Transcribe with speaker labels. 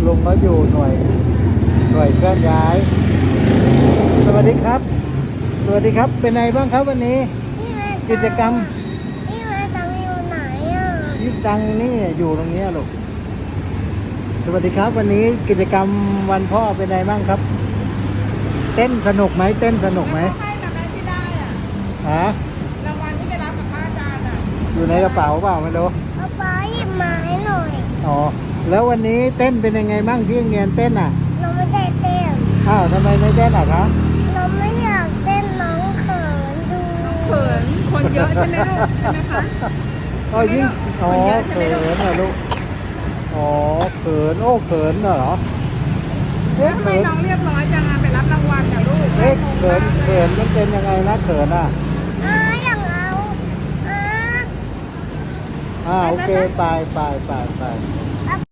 Speaker 1: ลุงเขาอยู่หน่วยเคลื่อนย้าย สวัสดีครับ สวัสดีครับ เป็นไงบ้างครับวันนี้ กิจกรรม
Speaker 2: พี่แม่ตังอยู่ไหนอ่ะ
Speaker 1: ยิบตังนี่อยู่ตรงนี้ลูก สวัสดีครับวันนี้กิจกรรมวันพ่อเป็นไงบ้างครับ เต้นสนุกไหมเต้นสนุกไหม
Speaker 3: ให้กับแม่ที่ได้อ่ะ
Speaker 1: ฮะ
Speaker 3: รางวัลที่ไปรับกับพระอาจารย์อ่ะ
Speaker 1: อยู่ในกระเป๋าเปล่าไม่รู้
Speaker 2: เอาป๊าหยิบมาให้หน่อย
Speaker 1: อ๋อแล้ววันนี้เต้นเป็นยังไงบ้างที่โรงเรียนเต้นอ่ะ
Speaker 2: เราไม่ได้เต้น
Speaker 1: อ้าวทำไมไม่เต้นอ่ะคะ
Speaker 2: เราไม่อยากเต้นน้องเขินดู
Speaker 3: เขินคนเยอะใช่ไหมลูกใช่ไหมคะ
Speaker 1: อ๋อยิ่งอ๋อ
Speaker 3: คนเยอะใช่ไหม
Speaker 1: เขิ
Speaker 3: ลูก
Speaker 1: นเหรอลูกอ๋อเขินโอ้เขินเหรอ
Speaker 3: เอ๊ะทำไมน้องเรียบร้อยจังอ่ะไปรับรางวัลกับลูก
Speaker 1: เอ๊ะ
Speaker 3: งง
Speaker 1: เขิ
Speaker 3: มาน ก
Speaker 1: เขินมันเป็นยังไงนะเขินอ่ะ
Speaker 2: อย่างเอา
Speaker 1: โอเคไป